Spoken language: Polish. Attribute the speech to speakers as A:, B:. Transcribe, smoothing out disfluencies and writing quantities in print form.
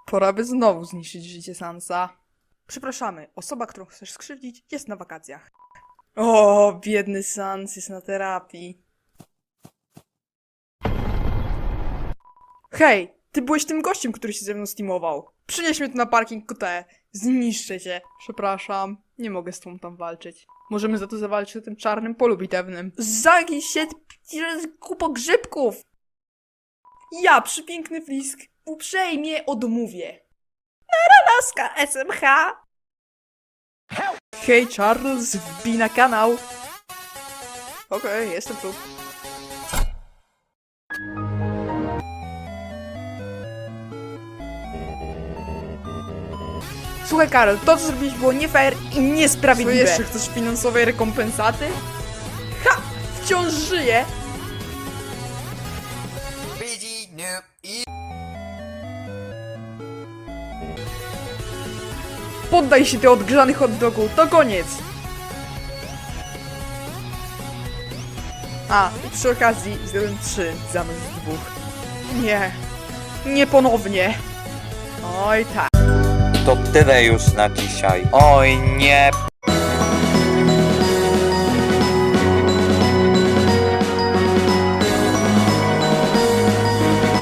A: Pora by znowu zniszczyć życie Sansa. Przepraszamy, osoba, którą chcesz skrzywdzić, jest na wakacjach. O, biedny Sans jest na terapii. Hej, ty byłeś tym gościem, który się ze mną steamował. Przynieś mnie tu na parking QT. Zniszczę cię. Przepraszam, nie mogę z tobą tam walczyć. Możemy za to zawalczyć na tym czarnym polu bitewnym. Zagij się, kupo grzybków! Ja, przepiękny Flisk, uprzejmie odmówię. Laska SMH! Hej Charles, wbij na kanał! Okej, jestem tu. Słuchaj Karol, to co zrobiliś było nie fair i niesprawiedliwe. Co jeszcze, chcesz finansowej rekompensaty? Ha! Wciąż żyję! Poddaj się ty odgrzanych hot dogu, to koniec! A, i przy okazji zdjąłem 3 zamiast 2. Nie, nie ponownie. Oj tak.
B: To tyle już na dzisiaj. Oj nie,